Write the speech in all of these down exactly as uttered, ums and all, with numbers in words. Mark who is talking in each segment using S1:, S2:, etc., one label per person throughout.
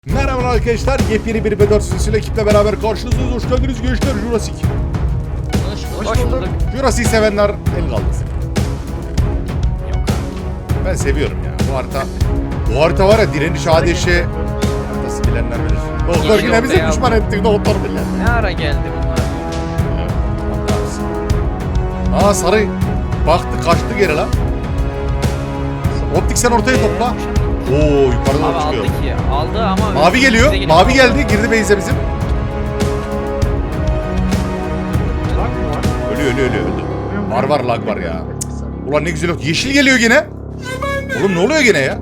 S1: Merhaba arkadaşlar, yepyeni bir B dört sürüsüyle ekiple beraber karşınızdayız. Hoş geldiniz gençler, Jurassic.
S2: Hoş, hoş bulduk.
S1: Jurassic sevenler el kaldırsın. Ben seviyorum ya bu harita. Bu harita var ya, direniş ateşi. Nasıl bilenler bilir. Doktor
S2: Yeni
S1: yine bize
S2: yolda
S1: düşman ettik, doktor bilir.
S2: Ne ara geldi bunlar?
S1: Aa sarı baktı, kaçtı geri lan. Optik sen ortaya topla. Oo yukarıdan
S2: Abi
S1: çıkıyor.
S2: aldı ki. Aldı ama...
S1: Mavi geliyor.
S2: Bize
S1: Mavi geldi. Girdi base'e bizim. Ölüyor ölüyor ölüyor öldü. Var var lag var ya. Ulan ne güzel yok. Yeşil geliyor gene. Oğlum ne oluyor gene ya?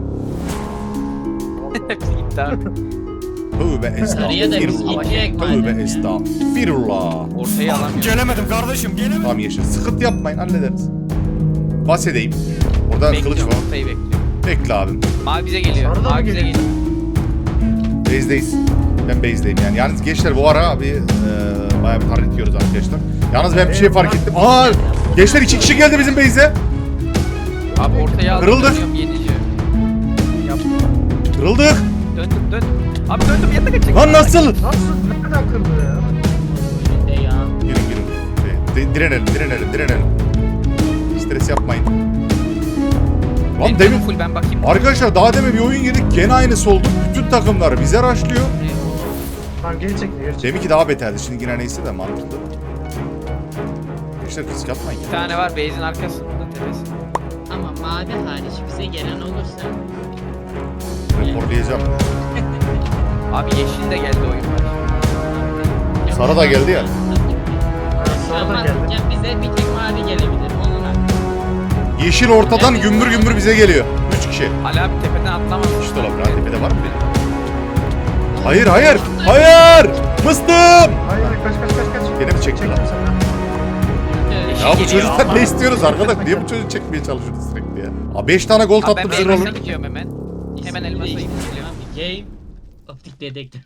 S2: Gitti abi.
S1: Tövbe
S3: Sarıya da biz
S1: estağfirullah.
S3: gidecek
S1: Tövbe
S3: madem.
S1: estağfirullah.
S2: Ortayı alamıyor.
S4: Gelemedim kardeşim gelemedim.
S1: Tamam yeşil. Sıkıntı yapmayın, hallederiz. Bas edeyim. Orada kılıç
S2: Bekliyorum,
S1: var.
S2: ortayı bekliyorum.
S1: Bekle abim.
S2: Mavi bize geliyor.
S4: Sarı da mı
S2: Mavi bize
S4: geliyor?
S2: geliyor.
S1: Base'deyiz. Ben base'deyim yani. Yalnız gençler bu ara bir e, bayağı bir hareket yiyoruz arkadaşlar. Yalnız ben bir şey fark ettim. Aa! Gençler iki kişi geldi bizim base'e.
S2: Abi ortaya aldım.
S1: Kırıldık.
S2: Dönüyorum yenici. Yapma.
S1: Kırıldık.
S2: Döndüm döndüm. Abi döndüm yatak açık.
S1: Lan nasıl?
S4: Nasıl? Nereden kırdı ya?
S3: De ya.
S1: Girin girin. De- direnelim, direnelim, direnelim. Stres yapmayın. Lan
S2: Benim
S1: demin...
S2: full ben bakayım.
S1: Arkadaşlar daha demin bir oyun yedik. Gene aynısı oldu. Bütün takımlar bize rushlıyor.
S4: Tamam geri çekti geri çekti.
S1: Deminki daha beterdi. Şimdi yine neyse de mantıklı. Gençler risk yapmayın.
S2: Bir tane var base'in arkasında tepesi.
S3: Ama mavi hariç bize gelen olursa
S1: Raporlayacağım.
S2: Abi yeşil de geldi oyun var.
S1: Sarı da geldi ya.
S4: Sarı da
S3: Ama
S4: geldi.
S3: ya bize bir tek mavi gelebilir. Onun hakkı.
S1: Yeşil ortadan gümbür gümbür bize geliyor. Üç kişi.
S2: Ali abi tepeden atlamadı.
S1: İşte lan tepede var mı benim? Hayır hayır. Hayır. Mıstım.
S4: Hayır kaç kaç kaç kaç.
S1: Beni mi çekti lan?
S4: Çektim senden.
S2: Yeşil
S1: Ya bu
S2: geliyor.
S1: çocuktan ne istiyoruz arkadaş? Niye bu çocuğu çekmeye çalışıyoruz sürekli ya? Abi beş tane gol
S2: Abi ben
S1: tatlı bize
S2: elmasa
S1: olur.
S2: gidiyorum hemen. Hemen elmasa gidiyorum.
S3: Abi game optik dedektör.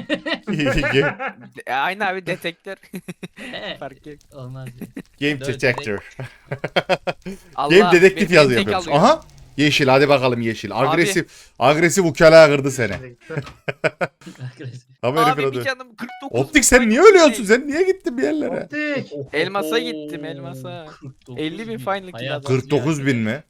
S2: E, Aynı abi detektör. Fark yok.
S3: Olmaz.
S1: Game
S3: Dört
S1: detector.
S2: Allah,
S1: Game dedektif
S2: beni
S1: yazı
S2: tek
S1: yapıyormuş.
S2: alıyor.
S1: Aha. Yeşil hadi bakalım yeşil. Agresif. Agresif ukala kırdı seni. Tam herifin
S2: Abi
S1: adı.
S2: bir canım kırk dokuz.
S1: Optik sen niye ölüyorsun? Sen niye gittin bir yerlere?
S4: Optik.
S2: Elmasa gittim, elmasa. elli bin final kill adam.
S1: kırk dokuz bin mi?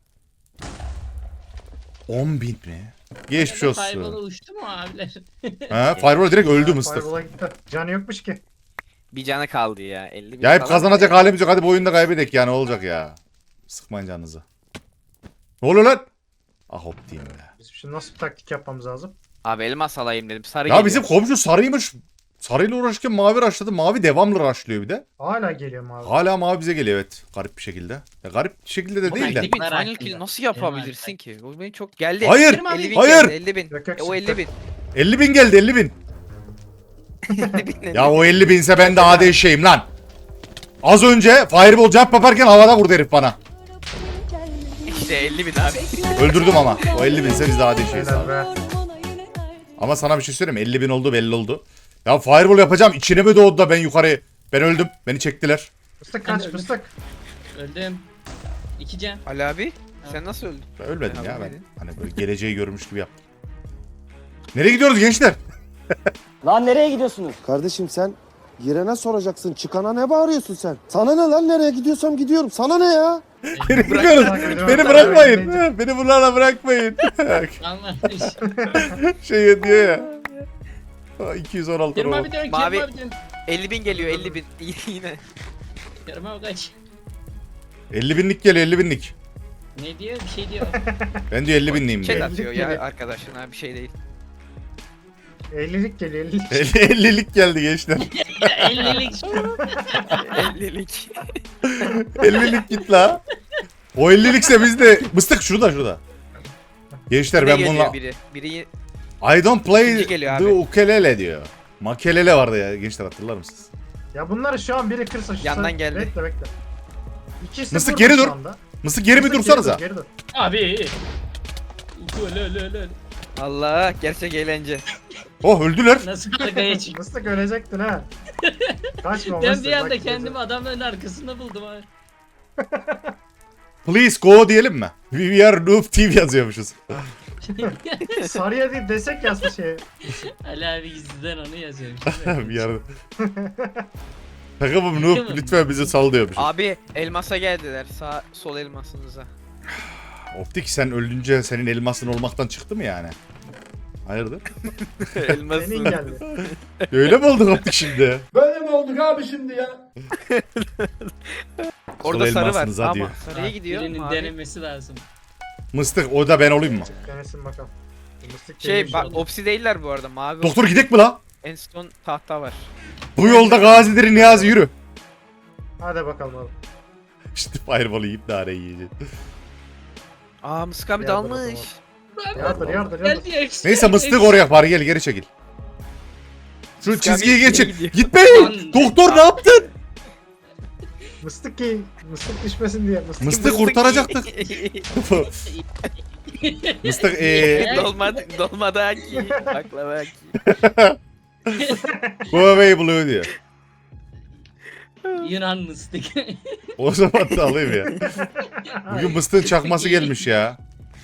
S1: on bin mi? Geçmiş
S3: Fireball'a
S1: olsun.
S3: uçtu mu abiler?
S1: Ha, Fireball direkt öldü mıstık.
S4: Fireball'a gitti. Canı yokmuş ki.
S2: Bir canı kaldı ya. elli bin
S1: Ya hep
S2: falan.
S1: kazanacak halimiz yok. Hadi bu oyunda kaybedek ya, ne olacak ya. Sıkmayın canınızı. Ne oluyor lan? Ah hop diyeyim ya.
S4: Biz şimdi nasıl bir taktik yapmamız lazım?
S2: Abi elmas alayım dedim. Sarı
S1: Ya
S2: geliyor.
S1: bizim komşu sarıymış. Sarıyla uğraşırken mavi rushladı. Mavi devamlı rushlıyor bir de.
S4: Hala geliyor abi.
S1: Hala mavi bize geliyor evet. Garip bir şekilde. Ya garip bir şekilde de
S2: Ama
S1: değil de.
S2: elli bin
S3: Bunlar
S2: final kill
S3: hakkında.
S2: nasıl yapabilirsin ki? O beni çok geldi.
S1: Hayır,
S2: elli bin
S1: hayır.
S2: geldi, elli bin.
S4: Yok, yok,
S2: E, o
S4: sıktı.
S2: elli bin.
S1: elli bin geldi elli bin.
S2: elli bin.
S1: Ya o elli binse ben de A D şeyim lan. Az önce Fireball jump yaparken havada vurdu herif bana.
S2: İşte elli bin abi.
S1: Öldürdüm ama. O elli binse biz de A D şeyiz
S4: Helal
S1: abi.
S4: be.
S1: Ama sana bir şey söyleyeyim mi? elli bin oldu belli oldu. Ya Fireball yapacağım. İçine mi doğdu da ben yukarı. Ben öldüm. Beni çektiler.
S4: Fıstık kaç fıstık.
S3: Öldüm. İki can.
S2: Ali abi sen nasıl öldün?
S1: Ben ölmedim
S2: Ben
S1: ya ben.
S2: ölmedim.
S1: Hani böyle geleceği görmüş gibi yaptım. Nereye gidiyoruz gençler?
S5: Lan nereye gidiyorsunuz?
S6: Kardeşim sen girene soracaksın. Çıkana ne bağırıyorsun sen? Sana ne lan, nereye gidiyorsam gidiyorum. Sana ne ya?
S1: Nereye gidiyoruz?
S4: bırak.
S1: Beni bırakmayın. Beni bunlarla bırakmayın.
S3: Alma.
S1: Şey diyor ya. Aa, iki yüz on altı
S3: Kerim
S1: oldu.
S3: abi dön.
S2: Mavi-
S3: Kerim abi dön.
S2: elli bin geliyor elli bin. Yine.
S3: Kerim abi kaç.
S1: elli binlik geliyor elli binlik.
S3: Ne diyor? Bir şey diyor.
S1: Ben diyor elli binliyim
S2: Chat
S1: diyor.
S2: atıyor ya arkadaşına bir şey değil.
S4: ellilik geliyor ellilik.
S1: ellilik geldi gençler.
S3: ellilik.
S2: ellilik.
S1: ellilik git la. O ellilikse biz de mıstık şurada şurada. Gençler ben
S2: Yine
S1: bununla
S2: geliyor biri. Biri
S1: I don't play
S2: İkinci geliyor
S1: the
S2: abi.
S1: ukulele diyor. Makelele vardı ya gençler, hatırlar mısınız?
S4: Ya bunları şu an biri kırsa şu
S2: Yandan
S4: sen-
S2: geldi.
S4: Bekle bekle. İkisi
S1: Mıstık,
S4: burada
S1: geri
S4: şu
S1: dur.
S4: anda.
S1: Mıstık geri mi
S4: Mıstık,
S1: dursanıza?
S4: Geri dur, geri dur.
S3: Abi. Öl öl öl öl.
S2: Allah gerçek eğlence.
S1: Oh öldüler.
S3: Nasıl arkaya çıktı?
S4: Mıstık ölecektin ha. Kaçma
S3: Ben
S4: Mıstık.
S3: bir anda
S4: bak
S3: kendimi adamların arkasında buldum abi.
S1: Please go diyelim mi? We are noob team yazıyormuşuz.
S4: Sarıya değil desek yazsa şey.
S3: Ali abi gizliden onu yazıyorum.
S1: bir yerde. Takımım Noob lütfen bizi sal diyormuş.
S2: Abi elmasa geldiler. Sağ sol elmasınıza.
S1: Optik sen ölünce senin elmasın olmaktan çıktı mı yani? Hayırdır?
S2: Elması.
S4: Senin geldi.
S1: Öyle mi olduk Optik şimdi?
S7: Böyle mi olduk abi şimdi ya?
S2: Orada
S1: Sol
S2: sarı var
S1: elmasınıza
S2: ama
S1: diyor.
S2: sarıya gidiyor.
S3: Birinin
S2: mavi.
S3: denemesi lazım.
S1: Mıstık o da ben olayım mı?
S4: Denesin bakalım. Mıstık
S2: Şey
S4: değilmiş
S2: bak
S4: oğlum.
S2: opsi değiller bu arada. Mavi.
S1: Doktor gidek mi la?
S2: En son tahta var.
S1: Bu yolda gazileri Niyazi yürü.
S4: Hadi bakalım abi.
S1: İşte fireball'ı yiyip nane yiyeceğiz.
S2: Aa Mısık abi
S4: Yardır
S2: dalmış.
S4: Yardır yardır yardır.
S3: Geldi
S1: Neyse mıstık oraya bari gel geri çekil. Şu
S2: Mıstık
S1: çizgiyi
S2: abi
S1: geçin.
S2: gidiyor.
S1: Gitmeyin. Doktor ne yaptın?
S4: Mıstık ki mıstık düşmesin diye. Mıstık.
S1: Mıstık kurtaracaktık. Mıstık eee
S2: Dolmadı, dolmadı ki. Baklava ki.
S1: go away blue diyor.
S3: Yunan mıstık.
S1: O zaman da alayım ya. Bugün mıstığın çakması gelmiş ya.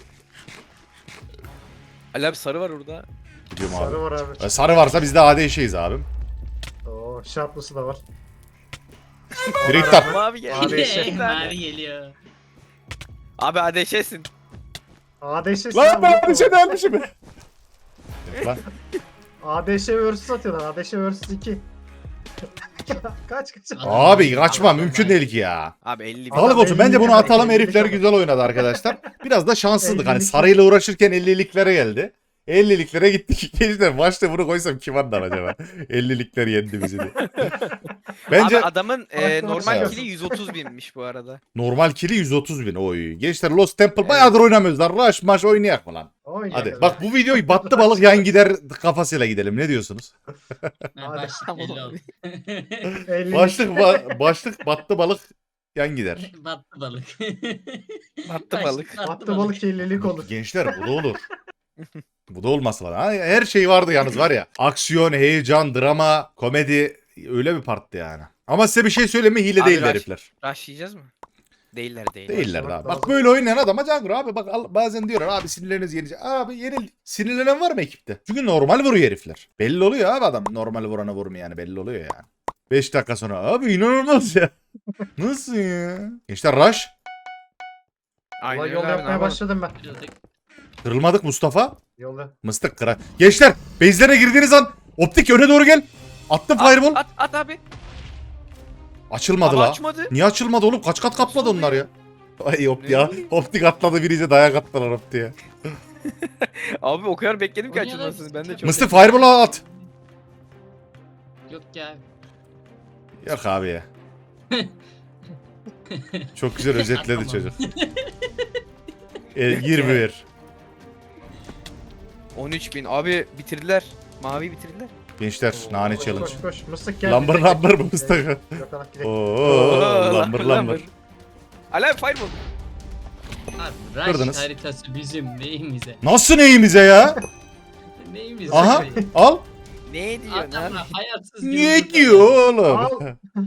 S2: Ali abi sarı var orada.
S1: Gidiyorum
S4: Sarı
S1: abi.
S4: var abi.
S1: E, Sarı varsa biz de A D şeyiz abim.
S4: Oo şartlısı da var.
S1: Direkt tap.
S2: Mavi geldi.
S4: Abi şey-
S2: Bir tane.
S3: Mavi geliyor.
S2: Abi adeşesin.
S4: A D Ş
S1: Lan ben bir şey delmişim. Lan
S4: A D Ş versus atıyorlar. A D Ş versus iki. Kaç kaç.
S1: abi kaçma mümkün değil ki ya.
S2: Abi elli bin.
S1: Sağlık olsun. Bence bunu
S4: ellilik
S1: atalım.
S4: ellilik
S1: Herifler
S4: ama.
S1: güzel oynadı arkadaşlar. Biraz da şanssızlık. Hani
S4: ellilik.
S1: sarıyla uğraşırken elliliklere geldi. elliliklere gittik. Gençler başta bunu koysam kim anlar acaba? ellilikler yendi bizi diye. Bence
S2: Abi adamın e,
S4: Farklı
S2: normal
S1: şey
S2: kili yüz otuz binmiş bu arada.
S1: normal kili yüz otuz bin. Oy. Gençler Lost Temple bayağıdır oynamıyoruz lan. Rush maç oynayak mı lan? Hadi. Bak bu videoyu battı balık yan gider kafasıyla gidelim. Ne diyorsunuz?
S3: Ha, başlık
S2: Tamam
S3: belli
S2: abi.
S3: oldu.
S1: Başlık ba- başlık battı balık yan gider.
S3: Battı balık.
S2: Battı
S3: Başlık
S2: balık.
S4: Attı balık ellilik olur.
S1: Gençler bu da olur. Bu da olması lazım. Ha, her şey vardı yalnız var ya. Aksiyon, heyecan, drama, komedi öyle bir parttı yani. Ama size bir şey söyleyeyim mi? Hile
S2: Abi
S1: değil
S2: rush-
S1: herifler.
S2: Rushlayacağız mı? Değiller değiller.
S1: Değiller
S4: Başlamak
S1: abi. Bak
S4: lazım.
S1: böyle oynayan adama Cangro abi bak al- bazen diyorlar abi sinirleriniz yenecek. Abi yenil. Sinirlenen var mı ekipte? Çünkü normal vuruyor herifler. Belli oluyor abi adam. Normal vurana vurmuyor yani belli oluyor yani. beş dakika sonra abi inanılmaz ya. Nasıl ya? Gençler rush.
S2: Aynen
S4: Ulan
S2: öyle
S4: yol
S2: abi, ne
S4: yapmaya
S2: yapalım?
S4: başladım ben.
S1: Kırılmadık Mustafa.
S4: Yolda.
S1: Mıstık kıra. Gençler base'lere girdiğiniz an optik öne doğru gel. Attım fireball.
S2: At, at at abi.
S1: Açılmadı
S2: Ama
S1: la.
S2: açmadı.
S1: Niye açılmadı oğlum? Kaç kat kapladı
S2: Nasıl
S1: onlar ya? Ay optik
S2: Ne
S1: ya.
S2: bileyim.
S1: Optik atladı birice dayak attılar optiğe.
S2: Abi o kadar bekledim ki
S3: O niye lan?
S2: açılmasını. Ben de çok.
S1: Mıstık fireball'ı at.
S3: Yok ya.
S1: Yok abi ya. Çok güzel özetledi
S3: Atamam.
S1: çocuk. E, yirmi bir.
S2: on üç bin. Abi bitirdiler. Mavi bitirdiler.
S1: Gençler nane
S4: Koş
S1: challenge.
S4: koş koş. Mıstık geldi.
S1: Lambır lambır mı Mıstık?
S4: Yok ana gidelim.
S1: Oo lambır lambır.
S2: Ali abi fireball.
S3: Abi Rush
S1: Kırdınız.
S3: haritası bizim neyimize?
S1: Nasıl neyimize ya?
S3: Neyimize?
S1: Aha al.
S2: Ne diyor? Ne
S3: Adamlar hayatsız gibi
S1: Ne
S3: burada.
S1: diyor oğlum?
S4: Al.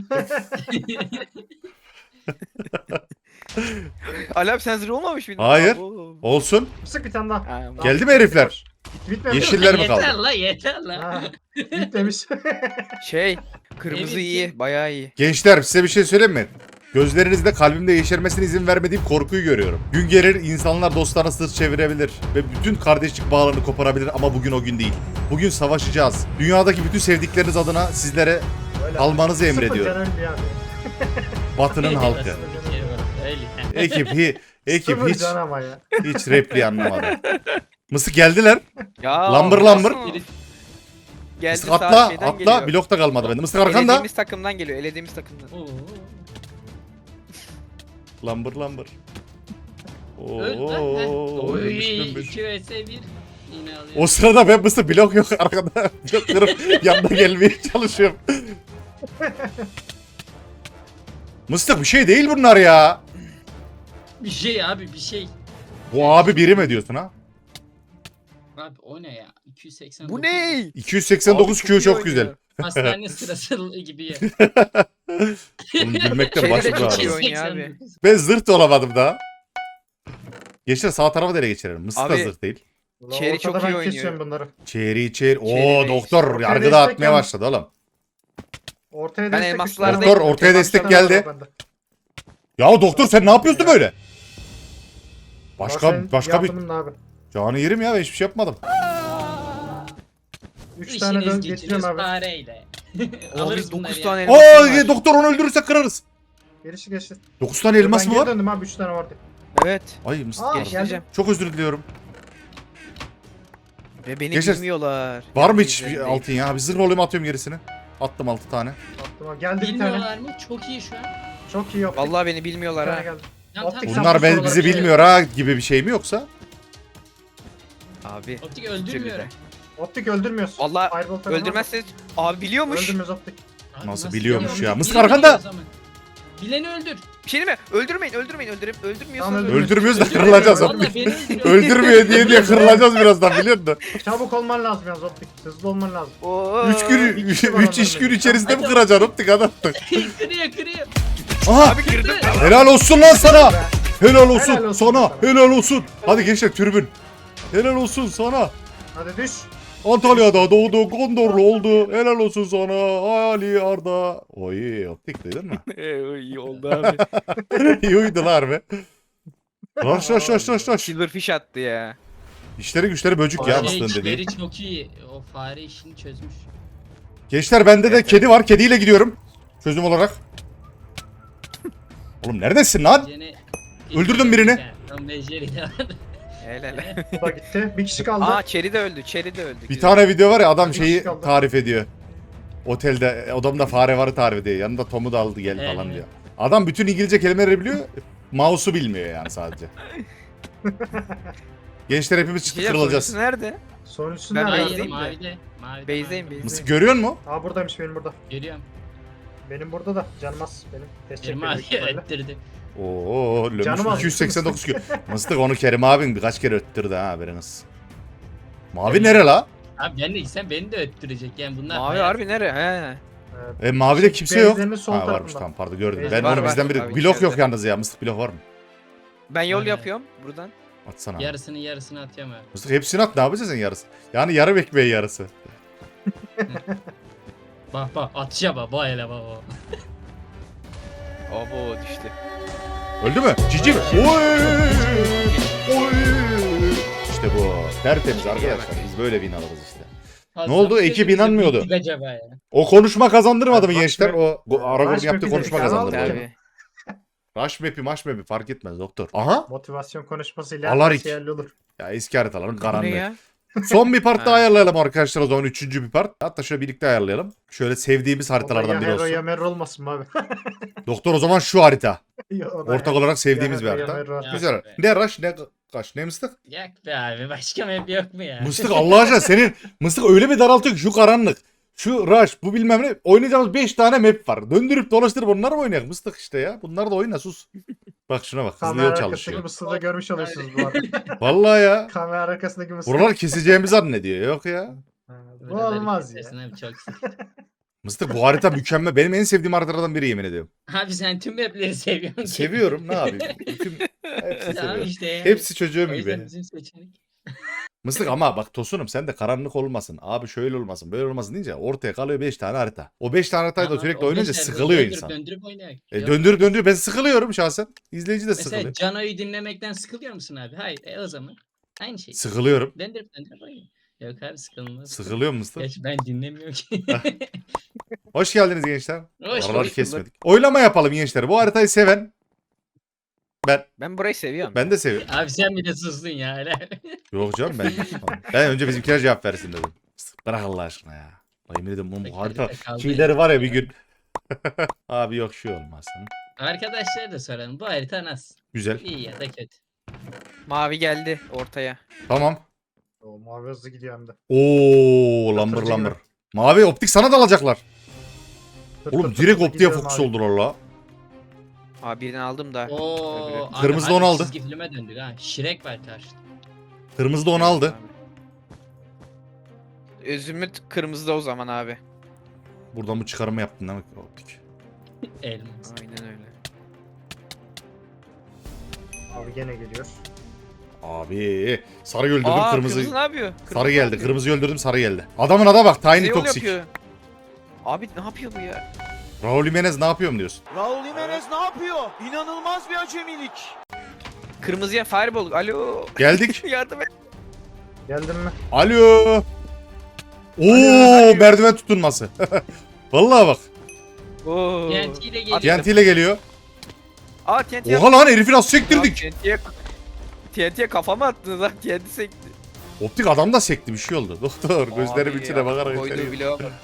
S2: Ali abi sen zırh olmamış mıydın?
S1: Hayır.
S2: Abo.
S1: Olsun.
S4: Mıstık bir tane daha.
S2: Ha,
S1: Geldi mi herifler?
S4: Bitmemiş.
S1: Yeşiller mi
S3: Yeter
S1: kaldı?
S3: la yeter la.
S4: Ha, Bitmemiş.
S2: Şey, kırmızı
S3: Evet,
S2: iyi, bayağı iyi.
S1: Gençler size bir şey söyleyeyim mi? Gözlerinizde kalbimde yeşermesine izin vermediğim korkuyu görüyorum. Gün gelir insanlar dostlarına sırt çevirebilir ve bütün kardeşlik bağlarını koparabilir ama bugün o gün değil. Bugün savaşacağız. Dünyadaki bütün sevdikleriniz adına sizlere
S4: Öyle.
S1: almanızı
S4: Sıfır
S1: emrediyorum.
S4: can öldü yani.
S1: Batının halkı.
S3: Nasıl bir şey var? Öyle.
S1: Ekip, hi, ekip
S4: Sıfır
S1: hiç
S4: can ama ya.
S1: hiç repliği anlamadı. Mısık geldiler.
S2: Ya,
S1: Lambır
S2: nasıl?
S1: lambır.
S2: Geldi
S1: Mısık
S2: sağ
S1: atla,
S2: şeyden
S1: atla.
S2: geliyor.
S1: Blokta kalmadı bende. Mısık arkanda.
S2: Elediğimiz takımdan geliyor, elediğimiz takımdan.
S3: Oo.
S1: Lambır lambır.
S3: Öl lan. heh.
S1: Oo,
S3: Oy
S1: ölmüş, ölmüş.
S3: iki vs bir. Yine alıyor.
S1: O sırada ben mısır blok yok arkada. Blok kırıp yanına gelmeye çalışıyorum. Mıstık bir şey değil bunlar ya.
S3: Bir şey abi bir şey.
S1: Bu abi biri mi diyorsun ha?
S3: Abi o ne ya? iki yüz seksen.
S2: Bu ne?
S1: iki yüz seksen dokuz
S2: Abi
S1: Q
S2: iyi
S1: çok
S2: oynuyor.
S1: güzel.
S3: Hastane sırası gibi ya.
S1: Bunu gülmekten
S2: Şeyde de
S1: başım
S2: çok
S1: ağrıyor.
S2: iyi oynuyor abi.
S1: Ben zırt olamadım daha. Gençler sağ tarafa nereye geçirelim? Mıstık da
S2: Abi-
S1: zırt değil.
S2: Çeri çok
S4: Ortada
S2: iyi
S4: ben
S2: oynuyor.
S4: kesiyorum bunları.
S1: Çeri çeri. Oo
S2: Çeri
S1: doktor
S4: Ortaya
S1: yargıda
S4: destek
S1: atmaya
S4: yalnız.
S1: başladı oğlum.
S4: Ortaya
S2: Ben
S4: destek.
S2: elmaslardayım.
S4: üstüne-
S1: Doktor, ortaya
S4: Kemal
S1: destek
S4: Şahin var
S1: geldi.
S4: bende.
S1: Ya doktor sen ne yapıyorsun böyle? Başka
S4: Senin
S1: başka bir
S4: yardımın ne abi?
S1: canı yerim ya ben hiçbir şey yapmadım.
S4: Üç tane dön
S3: İşiniz
S4: getiriyorum
S3: gücünüz
S4: abi.
S3: fareyle.
S2: Abi
S3: Alırız bunları
S2: dokuz
S3: ya.
S2: tane elmasım
S1: Aa
S2: var.
S1: doktor onu öldürürsek kırarız.
S4: Gelişi geçti.
S1: dokuz tane elmas
S4: ben
S1: mı
S4: geri
S1: var?
S4: döndüm abi üç tane vardı.
S2: Evet.
S1: Ay mısın?
S4: Aa
S1: Pardon.
S4: geldim.
S1: Çok özür diliyorum.
S2: Ve beni
S1: Geçer-
S2: bilmiyorlar.
S1: Var mı
S2: Yani
S1: hiç bir
S2: üzerindeyim.
S1: altın ya? Bir zırh olayım atıyorum gerisini. Attım altı tane.
S4: Attım abi. Geldi bir tane.
S3: Bilmiyorlar mı? Çok iyi şu an.
S4: Çok iyi yaptık.
S2: Vallahi beni
S4: Bir
S2: bilmiyorlar
S4: tane
S2: ha.
S4: geldi.
S3: Tamam,
S4: Optik
S3: tamam.
S1: Bunlar
S4: bu
S1: ben,
S4: soruları
S1: bizi
S4: şey-
S1: bilmiyor ha gibi bir şey mi yoksa?
S2: Abi.
S3: Optik öldürmüyorum.
S4: Optik öldürmüyorsun.
S2: Vallahi
S4: Fireball falan
S2: öldürmezseniz abi biliyormuş.
S4: Öldürmüyoruz optik.
S3: Abi
S1: Nasıl biliyormuş
S3: biliyor?
S1: ya?
S3: Biri
S1: Mısır
S3: biliyor
S1: arkanda.
S3: o zaman. Bileni öldür.
S2: Bir şey değil mi? Öldürmeyin, öldürmeyin, öldürüp öldürmüyorsanız
S4: Tamam,
S2: öldürmeyin.
S1: Öldürmüyoruz da
S4: Öldürmüyor,
S1: kırılacağız.
S4: öldürmüyor.
S3: Valla beni öldürüyor.
S1: Öldürmüyor diye diye kırılacağız birazdan biliyor musun?
S4: Çabuk olman lazım yalnız optik. Hızlı olman lazım.
S2: Oo.
S1: üç gün,
S4: bir kişi var
S1: üç iş
S4: onların
S1: gün içerisinde mi
S3: Hadi.
S1: kıracaksın optik adam?
S3: kırıyor kırıyor.
S1: Aha!
S2: Abi kırdım.
S1: Helal olsun lan sana! Helal olsun,
S4: Helal olsun
S1: sana,
S4: sana.
S1: helal olsun. Hadi gençler türbün. Helal olsun sana.
S4: Hadi düş.
S1: Antalya'da doğdu, Gondorlu oldu. Helal olsun sana Ali Arda. Oy optik duydun mu?
S2: Ee, iyi oldu abi.
S1: İyi uydular be. Raş raş raş raş raş.
S2: Silverfish attı ya.
S1: İşleri güçleri böcük ya
S3: Şey,
S1: mıstığın dediği.
S3: içleri çok iyi. O fare işini çözmüş.
S1: Gençler bende de kedi var. Kediyle gidiyorum. Çözüm olarak. Oğlum neredesin lan?
S3: Gene...
S1: Öldürdün birini.
S3: Tam beceri de vardı.
S2: Helal.
S4: Bu da gitti. Bir kişi kaldı.
S2: Aa Cherry de öldü. Cherry de öldü.
S1: Bir
S2: Güzel.
S1: tane video var ya adam
S4: Bir
S1: şeyi
S4: kişi kaldı.
S1: tarif ediyor. Otelde odamda fare varı tarif ediyor. Yanında Tom'u da aldı gel falan
S3: Evet.
S1: diyor. Adam bütün İngilizce kelimeleri biliyor. Mouse'u bilmiyor yani sadece. Gençler hepimiz
S2: Bir
S1: çıktı
S2: şey
S1: kırılacağız.
S2: yapıyorsun, nerede?
S4: Sonuncusu
S2: Ben
S4: nerede?
S3: Hayır
S2: Base'deyim de.
S3: mavide. Mavide.
S2: Base'deyim,
S3: mavide.
S2: base'deyim.
S1: Mısık görüyor musun?
S4: Aa buradaymış benim burada.
S3: Görüyorum.
S4: Benim burada da canmaz. Benim test
S3: Kerim
S4: çekiyor
S3: abi
S4: büyük ihtimalle.
S3: öttürdü.
S1: Oo, lömüş
S4: Canım
S1: iki yüz seksen dokuz kilo. Mıstık onu Kerim abin birkaç kere öttürdü ha haberiniz. Mavi nere la?
S3: Abi ben de gitsem beni de öttürecek yani bunlar.
S2: Mavi
S3: hayat-
S2: harbi nere? He.
S4: Evet.
S1: E mavide kimse yok.
S4: Base'lerinin sol
S1: Ha varmış
S4: tarafında.
S1: tamam pardon gördüm.
S4: Base-
S1: Ben
S2: Var,
S1: onu
S2: var.
S1: bizden biri.
S2: Abi,
S1: Blok yok
S2: içeride.
S1: yalnız ya. Mıstık blok var mı?
S2: Ben yol
S3: Aynen.
S2: yapıyorum buradan.
S1: Atsana. abi.
S3: Yarısını yarısını atıyorum abi.
S1: Mıstık hepsini at ne yapacaksın yarısı? Yani yarım ekmeği yarısı.
S3: Bak bak atışa bak bak hele bak bak.
S2: Abo düştü.
S1: Öldü mü? Cici mi? Oy! Oy! İşte bu. Tertemiz arkadaşlar. Biz böyle bin alırız işte.
S3: Fazla
S1: oldu?
S3: mı
S1: Ekip
S3: dedim,
S1: inanmıyordu.
S3: bittik acaba ya.
S1: O konuşma kazandırmadı mı
S4: Rush
S1: gençler?
S4: map-
S1: O go- Aragorn
S4: Rush
S1: yaptığı
S4: map'i
S1: konuşma
S4: dedik,
S1: kazandırmadı.
S4: Anladım.
S2: Tabii.
S1: Rush map'i maş map'i fark etmez doktor. Aha.
S4: Motivasyon konuşmasıyla
S1: Alarik.
S4: yerli olur.
S1: Ya eski haritaların
S2: Bu ne
S1: karanlığı.
S2: ya?
S1: Son bir part daha
S2: Ha.
S1: ayarlayalım arkadaşlar o zaman. Üçüncü bir part. Hatta şöyle birlikte ayarlayalım. Şöyle sevdiğimiz haritalardan
S4: ya
S1: biri
S4: hero ya
S1: olsun.
S4: merro olmasın mı abi?
S1: Doktor o zaman şu harita.
S4: Ya o da
S1: Ortak
S4: ya.
S1: olarak sevdiğimiz bir
S4: Ya, ya,
S1: harita.
S4: ya, ya.
S1: Güzel.
S3: be.
S1: Ne rush ne kaç ne mıstık?
S3: Yak be abi başka map yok mu ya?
S1: Mıstık Allah aşkına senin mıstık öyle bir daraltıyor ki şu karanlık. Şu rush bu bilmem ne. Oynayacağımız beş tane map var. Döndürüp dolaştırıp onları mı oynayak mıstık işte ya. Bunlar da oyna sus. Bak şuna bak hızlı
S4: Kamera
S1: yol
S4: arkasındaki
S1: çalışıyor.
S4: mısırda görmüş oluyorsunuz bu arada.
S1: Vallahi ya.
S4: Kamera arkasındaki mısır.
S1: Buralar keseceğimizi zannediyor. Yok ya.
S4: Ha, Bu
S3: Buraları
S4: olmaz ya.
S3: kesersin Abi, çok sık.
S1: Mıstık bu harita mükemmel. Benim en sevdiğim haritalardan biri yemin ediyorum.
S3: Abi sen tüm mapleri seviyorsun. ki.
S1: Seviyorum ne yapayım. Tüm, hepsi
S3: Abi
S1: seviyorum.
S3: işte ya.
S1: Hepsi çocuğum
S3: O yüzden
S1: gibi.
S3: bizim seçenek.
S1: Mıstık ama bak Tosunum sen de karanlık olmasın. Abi şöyle olmasın böyle olmasın deyince ortaya kalıyor beş tane harita. O beş tane haritayı da
S3: Tamam,
S1: sürekli
S3: o
S1: oynayınca
S3: beşer
S1: sıkılıyor
S3: döndürüp
S1: insan.
S3: Döndürüp oynayak.
S1: E,
S3: Yok.
S1: döndürüp döndürüp ben sıkılıyorum şahsen. İzleyici de
S3: Mesela
S1: sıkılıyor.
S3: Cano'yu dinlemekten sıkılıyor musun abi? Hayır. E o zaman aynı şey.
S1: Sıkılıyorum.
S3: Döndürüp döndürüp oynuyor. Yok abi sıkılmaz.
S1: Sıkılıyor musun?
S3: Geç ben dinlemiyorum ki.
S1: Hoş geldiniz gençler.
S3: Hoş
S1: Araları
S3: bulduk.
S1: kesmedik. Oylama yapalım gençler. Bu haritayı seven ben
S2: Ben burayı seviyorum.
S1: ben de seviyorum.
S3: Abi sen bir de sustun ya. Hala.
S1: Yok canım ben. Ben önce bizimkiler cevap versin dedim. Bırak Allah aşkına ya. Ay yemin ederim oğlum bu harita
S3: Kaldı.
S1: şeyleri var ya bir gün. Abi yok şu olmasın.
S3: Arkadaşlar da soralım. Bu harita nasıl?
S1: Güzel.
S3: İyi ya da kötü.
S2: Mavi geldi ortaya.
S1: Tamam.
S4: O mavi hızlı gidiyor hem de.
S1: Oo lambır
S4: Yatırıcı
S1: lambır.
S4: gibi.
S1: Mavi optik sana da alacaklar.
S4: Tır
S1: Oğlum
S4: tır tır
S1: direkt
S4: tır
S1: optiğe
S4: gidiyorum
S1: fokus
S4: abi.
S1: oldular la.
S2: Aa birini aldım da.
S3: Oo. abi,
S1: Kırmızı da
S3: harbi
S1: onu aldı.
S3: Çizgi filme döndük ha. Shrek var karşıda.
S1: Kırmızı da onu aldı.
S2: Özümüt kırmızıda o zaman abi.
S1: Buradan bu çıkarımı yaptın değil mi optik?
S3: Elmas.
S2: Aynen öyle.
S4: Abi gene geliyor.
S1: Abi sarı öldürdüm
S2: Aa
S1: kırmızı.
S2: kırmızı ne yapıyor?
S1: Sarı
S2: Kırmızı ne
S1: geldi.
S2: yapıyor?
S1: Kırmızıyı öldürdüm sarı geldi. Adamın ada bak Tiny
S2: Bize yol
S1: Toxic.
S2: yapıyor. Abi ne yapıyor bu ya?
S1: Raul Jimenez ne yapıyorum diyorsun?
S8: Raul Jimenez ne yapıyor? İnanılmaz bir acemilik.
S2: Kırmızıya fireball. Alo.
S1: Geldik.
S2: Yardım et.
S4: Geldin mi?
S1: Alo. Oo
S4: Alo.
S1: merdiven tutunması. Vallahi bak.
S2: Oo.
S3: T N T ile geliyor.
S1: T N T ile geliyor.
S2: Aa T N T
S1: Oha lan herifi nasıl sektirdik?
S2: T N T'ye T N T'ye kafama attınız lan. T N T sekti.
S1: Optik adam da sekti bir şey oldu. Doktor gözlerim
S2: Abi
S1: içine
S2: ya,
S1: bakarak
S2: koyduğu
S1: içeri.
S2: bloğa bak.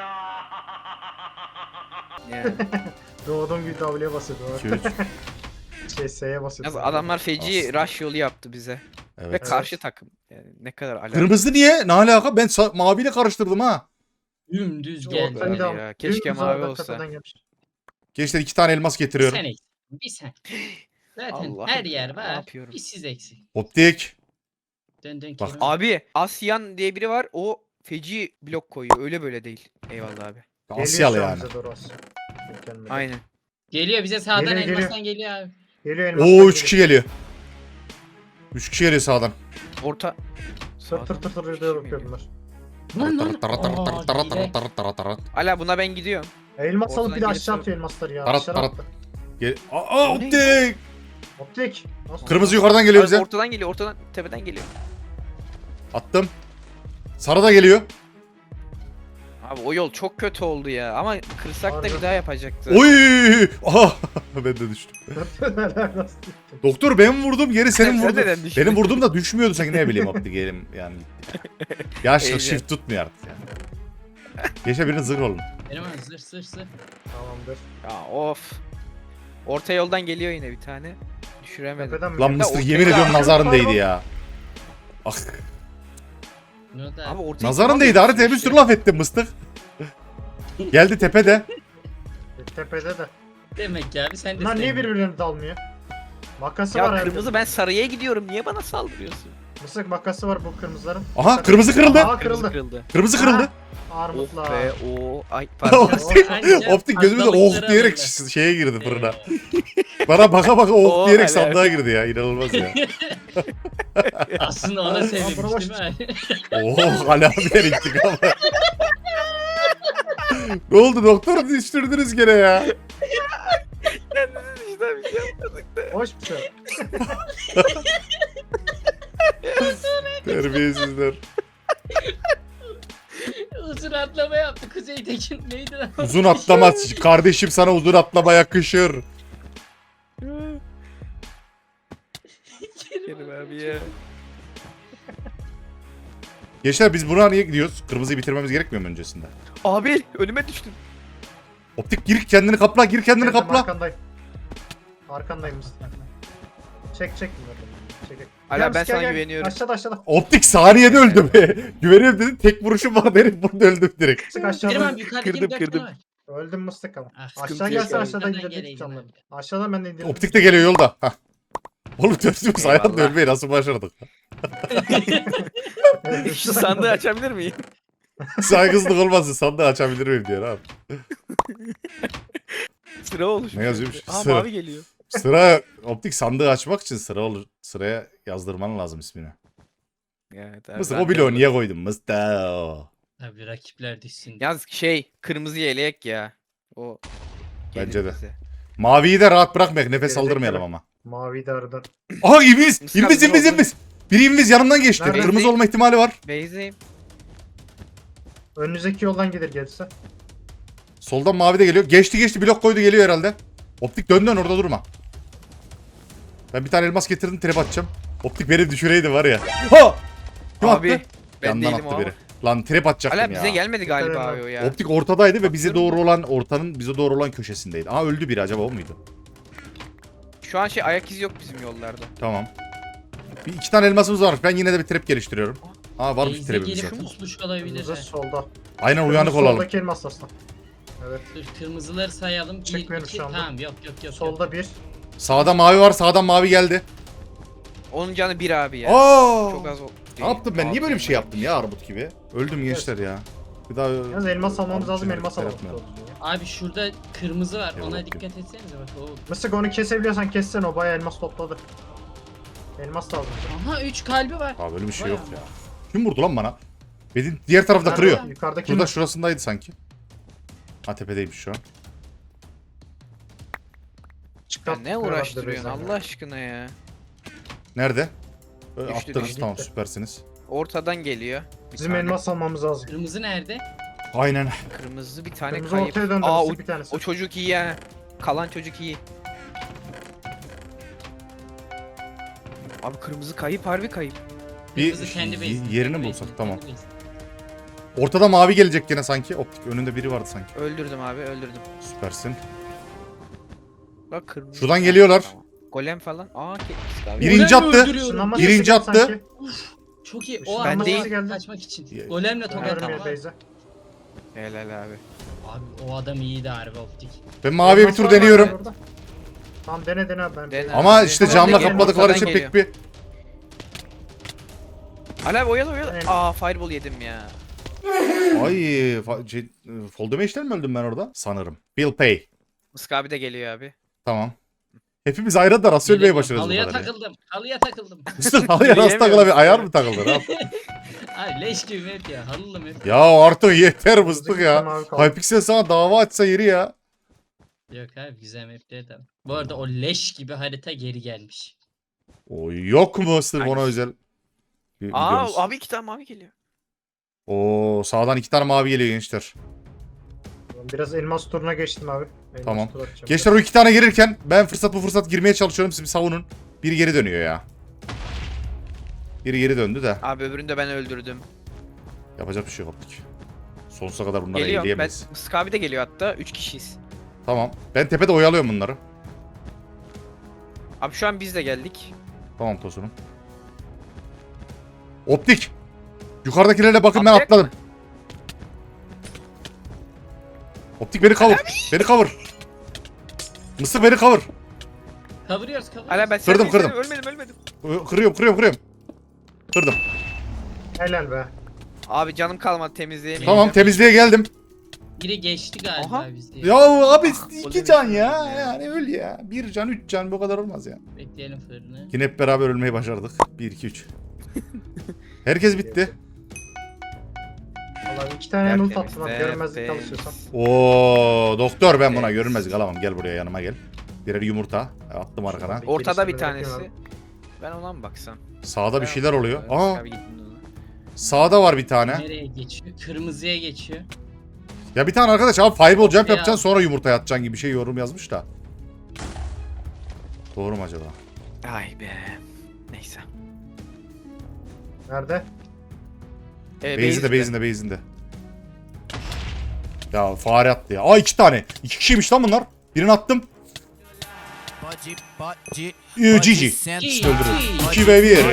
S2: Yani.
S4: Doğduğum gibi W'ye basıyordu.
S1: İki, üç.
S4: Şey S'ye basıyordu.
S2: Yalnız adamlar feci rush yolu yaptı bize. Ve
S1: Evet.
S2: karşı takım. Yani ne kadar alakalı.
S1: Kırmızı niye? Ne alaka? Ben sa- maviyle karıştırdım ha.
S3: Dümdüz
S4: Ortayı
S3: geldi.
S2: Geldi
S4: da-
S2: ya, keşke
S4: dümdüz
S2: mavi
S4: oradan
S2: olsa.
S4: tepeden gelmiş.
S1: Gençler iki tane elmas
S3: Bir
S1: getiriyorum.
S3: sen eksik. Bir sen. Zaten
S2: Allah'ım
S3: her yer
S2: ne
S3: var.
S2: yapıyorum?
S3: Bir siz eksik.
S1: Optik.
S3: Dön dön
S1: Bak,
S3: Kerim.
S2: Abi Asyan diye biri var. O feci blok koyuyor. Öyle böyle değil. Eyvallah abi.
S4: Geliyor
S1: Asyalı
S4: şu an
S1: yani.
S4: bize doğru Asya. Gelmedi.
S2: Aynen.
S3: Geliyor bize sağdan
S4: Geliyor, geliyor.
S3: elmastan geliyor abi.
S4: Geliyor elmastan
S1: Oo
S4: geliyor.
S1: üç kişi geliyor. üç kişi geliyor sağdan.
S2: Orta.
S4: Tır tır tır tır diye bakıyor bunlar.
S3: Lan lan.
S1: Tarat, tarat, tarat,
S3: Aa,
S1: tarat, tarat,
S3: hile.
S1: tarat, tarat, tarat.
S2: Ala buna ben gidiyorum.
S4: Elmas alıp
S2: Ortadan
S4: bir de
S2: gelirse-
S4: aşağı atıyor elmasları ya.
S1: Tarat,
S4: Aşağı
S1: tarat.
S4: attı.
S1: Gel Aa
S2: O ne?
S1: optik.
S4: Optik. Nasıl?
S1: Kırmızı yukarıdan geliyor
S2: Abi
S1: bize.
S2: ortadan geliyor. Ortadan tepeden geliyor.
S1: Attım. Sarı da geliyor.
S2: Abi o yol çok kötü oldu ya. Ama kırsak da
S4: Harbi.
S2: bir daha yapacaktı.
S1: Oy! Aha! Ben de düştüm.
S4: Neler nasıl?
S1: Doktor ben vurdum geri senin
S2: Sen
S1: vurdun.
S2: neden düştün?
S1: Benim vurdum da düşmüyordu sanki ne bileyim optik elim yani. Yaşlık
S2: Heyecan.
S1: shift tutmuyor artık yani. Geçe birinin zırh olun.
S3: Benim abi zır zır zır.
S4: Tamamdır.
S2: Ya of. Orta yoldan geliyor yine bir tane. Düşüremedim.
S4: Tepeden mi?
S1: Lan
S4: geldi?
S1: Mısır
S2: ortaya-
S1: yemin ediyorum nazarın
S4: Pardon.
S1: değdi ya. Ah,
S3: Ne oldu
S2: Abi
S3: abi?
S2: ortaya
S1: nazarın değdi haritaya bir sürü laf ettim mıstık. Geldi tepede.
S4: Tepede de.
S3: Demek ki abi sen de
S4: Bunlar niye
S3: sevmiyorsun.
S4: birbirlerine dalmıyor? Makası
S2: Ya
S4: var herhalde.
S2: kırmızı ben sarıya gidiyorum. Niye bana saldırıyorsun?
S4: Mısık makası var bu kırmızıların.
S1: Aha kırmızı kırıldı.
S4: Aha
S2: Kırmızı
S4: kırıldı.
S2: kırıldı.
S1: Kırmızı kırıldı.
S2: Oh
S4: Armutlar.
S2: be o. Ay pardon.
S1: Optik,
S3: Anca
S1: optik gözümüzde
S3: hastalıkları
S1: oh diyerek
S3: alırlar.
S1: şeye girdi fırına.
S3: Ee,
S1: Bana baka baka oh
S2: Oh,
S1: diyerek
S2: helal.
S1: sandığa girdi ya inanılmaz ya.
S3: Aslında ona sevmiş değil mi abi?
S1: Oh hala bir intikam. Ne oldu doktor düşürdünüz gene ya.
S2: İşte bir şey yapmadık.
S4: Hoş bir şey.
S1: Terbiyesizler.
S3: Uzun atlama yaptı Kuzey Tekin. Neydi lan?
S1: Uzun atlama kardeşim sana uzun atlama yakışır.
S2: Kerim abi ya.
S1: Gençler biz buna niye gidiyoruz? Kırmızıyı bitirmemiz gerekmiyor mu öncesinde?
S2: Abi önüme düştün.
S1: Optik gir kendini kapla gir kendini
S4: Geldim,
S1: kapla.
S4: Arkandayım. Arkandayım Mısır. Çek çek bunları. Çek.
S2: Ala,
S4: Gel,
S2: ben
S4: gel,
S2: sana
S4: gel.
S2: güveniyorum.
S4: Aşağıda aşağıda.
S1: Optik saniyede öldüm. Güveniyorum dedin tek vuruşum var herif burada öldüm direkt.
S4: Mısık
S3: Kerim
S4: aşağıda.
S3: abi yukarıda
S2: Kırdım,
S3: yirmi dört
S2: kırdım.
S3: tane var.
S4: Öldüm Mıstık ama.
S3: Ah,
S2: sıkıntı
S4: Aşağı
S2: yok
S4: gelse
S2: abi.
S4: aşağıdan
S3: Yukarıdan
S4: indirdik
S3: geleydim
S4: canları.
S3: abi.
S4: Aşağıdan ben de indirdim.
S1: Optik de geliyor yolda. Hah. Oğlum dördümüz hayatta
S2: Eyvallah.
S1: ölmeyi nasıl başardık?
S2: Şu sandığı açabilir miyim?
S1: Saygısızlık olmasın sandığı açabilir miyim diyor abi.
S2: Sıra oluşmuş.
S1: Ne yazıyormuş?
S2: Aa
S1: Sıra.
S2: mavi geliyor.
S1: Sıra optik sandığı açmak için sıra olur. Sıraya yazdırman lazım ismini.
S2: Evet, abi,
S1: Mısır
S2: ben
S1: o
S2: de-
S1: bloğu niye koydun Mısır?
S3: Abi rakipler düşsün.
S2: Yalnız şey kırmızı yelek ya. O gelir
S1: Bence de.
S2: bize.
S1: Maviyi de rahat bırakmayak nefes
S4: Gelecek
S1: aldırmayalım
S4: tabii.
S1: ama.
S4: Mavi de aradan.
S1: Aha İbiz!
S2: Mısır
S1: İbiz
S2: hazır
S1: İbiz
S2: oldu.
S1: İbiz! Biri İbiz yanımdan geçti.
S4: Nerede?
S1: Kırmızı olma ihtimali var.
S2: Beyzeyim.
S4: Önünüzdeki yoldan gelir gelirse.
S1: Soldan mavi de geliyor. Geçti geçti blok koydu geliyor herhalde. Optik dön dön orada durma. Ben bir tane elmas getirdim trap atacağım. Optik beni düşüreydi var ya. Ha! Kim
S2: Abi
S1: attı?
S2: ben
S1: Yandan
S2: değilim o
S1: attı
S2: ama.
S1: biri. Lan trap atacaktım
S2: Hala
S1: ya.
S2: bize gelmedi galiba
S4: Dikkat
S2: abi
S4: edin
S2: o ya.
S1: Optik ortadaydı ve bize
S2: Bakıyorum
S1: doğru
S2: da.
S1: olan ortanın bize doğru olan köşesindeydi. Aa öldü biri acaba o muydu?
S2: Şu an şey ayak izi yok bizim yollarda.
S1: Tamam. Bir iki tane elmasımız var. Ben yine de bir trap geliştiriyorum. Aa varmış
S3: Beyze
S1: trapimiz.
S3: gelip pusmuş olabilir.
S4: Kırmızı
S3: ha.
S4: solda.
S1: Aynen uyanık
S4: Kırmızı
S1: olalım.
S4: Soldaki elmas aslan. Evet.
S3: Dur kırmızıları sayalım. Bir,
S4: Çekmiyoruz
S3: iki,
S4: şu anda.
S3: tamam yok yok yok. yok.
S4: Solda bir.
S1: Sağda mavi var. Sağdan mavi geldi.
S2: Onun canı bir abi ya.
S1: Aa!
S2: Çok az o.
S1: Ne yaptım ben? Niye böyle bir şey yaptım ya Armut gibi? Öldüm gençler ya. Bir daha
S4: Yalnız elmas almamız
S1: Armut
S4: lazım
S1: için
S4: elmas
S1: hareketler
S4: alalım.
S1: yapmayalım.
S3: Abi şurada kırmızı var.
S1: Eyvallah,
S3: Ona
S1: bakıyorum.
S3: dikkat etsenize bak. O
S4: Mısık onu kesebiliyorsan kessen o bayağı elmas topladı. Elmas lazım.
S3: Aha üç kalbi var.
S1: Abi öyle bir şey
S3: Bayağı.
S1: yok ya. Kim vurdu lan bana? Benim diğer tarafta
S4: Nerede
S1: kırıyor.
S4: o? Yukarıdaki
S1: Şurada
S4: mi?
S1: şurasındaydı sanki. Ha tepedeymiş şu an.
S2: Ya
S4: Çıkarttık
S2: ne
S4: herhalde
S2: uğraştırıyorsun
S4: Beyza.
S2: Allah aşkına ya.
S1: Nerede? Ee,
S2: Düştü,
S1: Attınız
S2: düştü.
S1: tamam süpersiniz.
S2: Ortadan geliyor. Bir
S4: Bizim
S2: tane.
S4: elmas almamız lazım.
S3: Kırmızı nerede?
S1: Aynen.
S2: Kırmızı bir tane
S4: Kırmızı
S2: kayıp.
S4: ortaya döndü.
S2: Aa
S4: Aa,
S2: o,
S4: bir tanesi.
S2: o çocuk iyi ya. Kalan çocuk iyi. Abi kırmızı kayıp harbi kayıp.
S1: Bir
S3: Kırmızı kendi
S1: y-
S3: base'inde,
S1: yerini
S3: kendi
S1: bulsak,
S3: base'inde,
S1: tamam.
S3: kendi base'inde.
S1: Ortada mavi gelecek gene sanki. Optik önünde biri vardı sanki.
S2: Öldürdüm abi öldürdüm.
S1: Süpersin.
S2: Bak kırmızı.
S1: Şuradan geliyorlar.
S2: Tamam. Golem falan. Aa ketmiş abi.
S1: Birinci
S3: Golemle
S1: attı.
S3: öldürüyorum.
S4: Işınlanma
S1: Birinci
S4: sesi geldi
S1: attı.
S4: sanki.
S3: Çok iyi. O
S4: Ben
S3: ama
S2: değil.
S4: geldi.
S3: kaçmak için.
S1: Ye-
S3: Golemle tokat
S4: Vermiyor
S3: atma.
S4: Beyza.
S2: Helal abi.
S3: Abi o adam iyiydi harbi optik.
S1: Ben maviye bir
S4: Elmas
S1: tur
S4: var
S1: deniyorum.
S4: orada. Tamam dene dene abi ben.
S2: Dene.
S1: Ama
S2: Abi,
S1: işte
S2: ben
S1: camla
S2: de geliyorum,
S1: kapladıkları
S2: ortadan
S1: için pek bir...
S2: Hala abi oyalı oyalı.
S4: Evet.
S2: Aa fireball yedim ya.
S1: Ay, fa- şey, fall damage'den mi öldüm ben orada? Sanırım. Bill Pay.
S2: Mısk abi de geliyor abi.
S1: Tamam. Hepimiz ayrı da rast ölmeye başarıyoruz bu
S3: Halıya
S1: kadar ya.
S3: takıldım. Halıya takıldım.
S1: Üstün halıya rast takılabilir. Ayar mı takıldı? Ne yaptın?
S3: Abi leş gibi map ya. Halılı map.
S1: Ya artık yeter mıstık ya.
S4: Mavi kaldı.
S1: Hypixel sana dava açsa yeri ya.
S3: Yok abi güzel mapleri de. Bu arada o leş gibi harita geri gelmiş.
S1: O yok mu sırf ona
S2: Hangisi?
S1: özel? Bir
S2: Aa
S1: videomuz.
S2: abi iki tane mavi geliyor.
S1: Oo, sağdan iki tane mavi geliyor gençler.
S4: Biraz elmas turuna geçtim abi. Elmas
S1: Tamam.
S4: tur atacağım.
S1: Gençler o iki tane gelirken ben fırsat bu fırsat girmeye çalışıyorum. Siz bir savunun. Biri geri dönüyor ya. Biri geri döndü de.
S2: Abi öbürünü de ben öldürdüm.
S1: Yapacak bir şey yok optik. Sonsuza kadar bunları
S2: Geliyor. Ben,
S1: elleyemeyiz.
S2: Mısk abi de geliyor hatta. Üç kişiyiz.
S1: Tamam. Ben tepede oyalıyorum bunları.
S2: Abi şu an biz de geldik.
S1: Tamam Tosun'um. Optik. Yukarıdakilere bakın ben
S2: Atlayacak
S1: atladım. Optik beni cover. Beni cover. Mısır beni cover.
S3: Kavuruyoruz kavuruyoruz.
S2: Hala ben
S1: Kırdım,
S2: sen
S1: kırdım.
S2: Ölmedim ölmedim.
S1: Kırıyorum kırıyorum kırıyorum. Kırdım.
S4: Helal be.
S2: Abi canım kalmadı temizleyemeyeceğim.
S1: Tamam temizliğe geldim.
S3: Biri geçti galiba
S2: Aha.
S3: bizi.
S1: Ya abi iki
S2: Golemi
S1: can ya.
S2: ya.
S1: Yani öl ya. Bir can üç can bu kadar olmaz ya.
S3: Bekleyelim fırını.
S1: Yine hep beraber ölmeyi başardık. bir iki üç. Herkes bitti.
S4: Vallahi iki tane ult
S2: Tertemiz,
S4: attım abi. Görmezlik
S2: tertemiz.
S4: çalışıyorsam.
S1: Oo doktor ben buna
S2: Evet.
S1: görünmezlik alamam. Gel buraya yanıma gel. Birer yumurta attım arkana.
S2: Ortada bir
S4: Geliştirmeleri
S2: tanesi.
S4: yapıyorum
S2: Ben ona mı baksam?
S1: Sağda bir
S2: Ben-
S1: şeyler oluyor.
S2: Mısk
S1: Aa
S2: abi gittin ona.
S1: sağda var bir tane.
S3: Nereye geçiyor? Kırmızıya geçiyor.
S1: Ya bir tane arkadaş abi fireball jump
S3: Ya.
S1: yapacaksın sonra yumurta atacaksın gibi bir şey yorum yazmış da. Doğru mu acaba?
S2: Ay be. Neyse.
S4: Nerede?
S2: Ee,
S1: Base'inde
S2: base'de.
S1: base'inde base'inde. Ya fare attı ya. Aa iki tane. İki kişiymiş lan bunlar. Birini attım. Ee, G G. Öldürün. iki ve bir.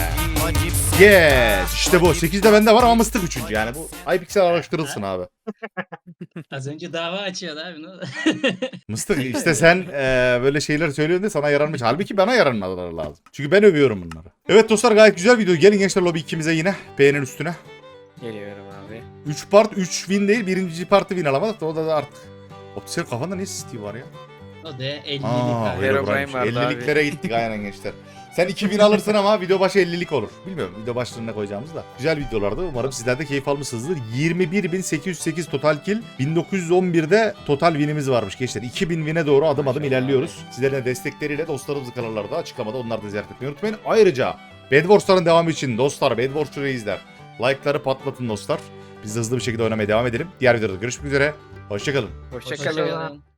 S1: Yes. İşte bu. sekizde bende var ama mıstık üçüncü yani. Bu Hypixel araştırılsın abi.
S3: Az önce dava açıyordu abi ne oldu?
S1: Mıstık işte sen eee, böyle şeyler söylüyorsun da sana yaranmış. Halbuki bana yaranmaları lazım. Çünkü ben övüyorum bunları. Evet dostlar gayet güzel video. Gelin gençler lobi ikimize yine. Beğenin üstüne.
S2: Geliyorum abi.
S1: üç part üç win değil. Birinci partı win alamadık da o da, da artık. Optisel kafanda ne Steve var ya?
S3: O da ellilik
S1: Aa
S3: abi.
S1: öyle
S2: Herobrine
S1: buraymış.
S2: vardı abi.
S1: elliliklere gittik aynen gençler. Sen iki bin alırsın ama video başı ellilik olur. Bilmiyorum video başlığına koyacağımız da. Güzel videolardı. Umarım sizler de keyif almışsınızdır. yirmi bir bin sekiz yüz sekiz total kill. bin dokuz yüz on birde total winimiz varmış gençler. iki bin win'e doğru adım adım
S3: Maşallah
S1: ilerliyoruz. Sizlerin de destekleriyle dostlarımızın kanallarda açıklamada onları da ziyaret etmeyi unutmayın. Ayrıca Bed Wars'ların devamı için dostlar Bed Wars'u reisler. Like'ları patlatın dostlar. Biz de hızlı bir şekilde oynamaya devam edelim. Diğer videoda görüşmek üzere. Hoşçakalın.
S2: Hoşçakalın.
S3: Hoşçakalın.